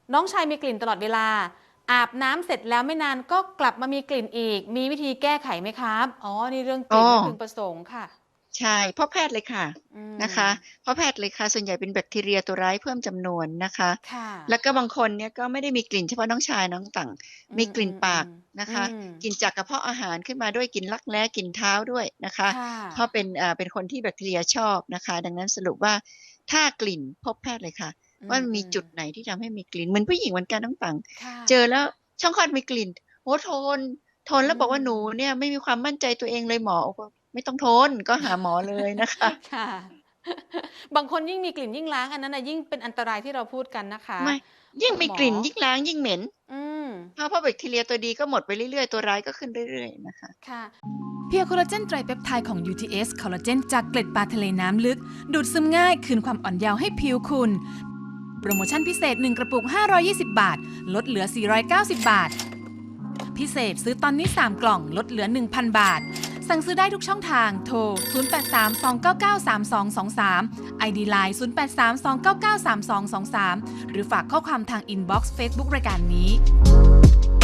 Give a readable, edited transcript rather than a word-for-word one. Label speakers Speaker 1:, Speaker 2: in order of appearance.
Speaker 1: น้องชายมีกลิ่นตลอดเวลาอาบน้ำเสร็จแล้วไม่นานก็กลับมามีกลิ่นอีกมีวิธีแก้ไขไหมครับอ๋อนี่เรื่องก
Speaker 2: อ๋อ
Speaker 1: ลิ่นไม่พึงประสงค์ค่ะ
Speaker 2: ใช่เพราะแพทย์เลยค่ะ
Speaker 1: อืม
Speaker 2: นะคะเพราะแพทย์เลยค่ะส่วนใหญ่เป็นแบคทีเรียตัวร้ายเพิ่มจำนวนนะคะ
Speaker 1: ค่ะ
Speaker 2: แล้วก็บางคนเนี่ยก็ไม่ได้มีกลิ่นเฉพาะน้องชายน้องต่าง
Speaker 1: อื
Speaker 2: มีกลิ่นปาก
Speaker 1: มๆๆอื
Speaker 2: นะคะ
Speaker 1: ม
Speaker 2: กลิ่นจากกระเพาะอาหารขึ้นมาด้วยกลิ่นรักแร้กลิ่นเท้าด้วยนะคะ
Speaker 1: ค่ะ
Speaker 2: เพราะเป็นคนที่แบคทีเรียชอบนะคะดังนั้นสรุปว่าถ้ากลิ่นพบแพทย์เลยค่ะ
Speaker 1: อื
Speaker 2: ว่ามันมี
Speaker 1: ม
Speaker 2: จุดไหนที่ทำให้มีกลิ่นเหมือนผู้หญิงเหมือนกันน้องต่าง
Speaker 1: ค่ะ
Speaker 2: เจอแล้วช่องคลอดมีกลิ่นโอ้โฮทน
Speaker 1: อื
Speaker 2: แล้วบอกว่าหนู
Speaker 1: ม
Speaker 2: เนี่ยไม่มีความมั่นใจตัวเองเลยหมอบอกไม่ต้องทนก็หาหมอเลยนะคะ
Speaker 1: ค่ะบางคนยิ่งมีกลิ่นยิ่งล้างอันนั้นน่ะยิ่งเป็นอันตรายที่เราพูดกันนะคะ
Speaker 2: ไม่ยิ่ง
Speaker 1: คุณหมอ
Speaker 2: มีกลิ่นยิ่งล้างยิ่งเหม็น
Speaker 1: อืม
Speaker 2: เพราะแบคทีเรียตัวดีก็หมดไปเรื่อยๆตัวร้ายก็ขึ้นเรื่อยๆนะคะ
Speaker 1: ค่ะ
Speaker 3: เพียร์โคลลาเจนไตรเปปไทด์ของ UTS คอลลาเจนจากเกล็ดปลาทะเลน้ำลึก ดูดซึมง่ายคืนความอ่อนเยาว์ให้ผิวคุณ โปรโมชั่นพิเศษ 1 กระปุก 520 บาท ลดเหลือ 490 บาท พิเศษซื้อตอนนี้ 3 กล่อง ลดเหลือ 1,000 บาท สั่งซื้อได้ทุกช่องทาง โทร 0832993223 ID Line 0832993223 หรือฝากข้อความทางอินบ็อกซ์เฟซบุ๊กรายการนี้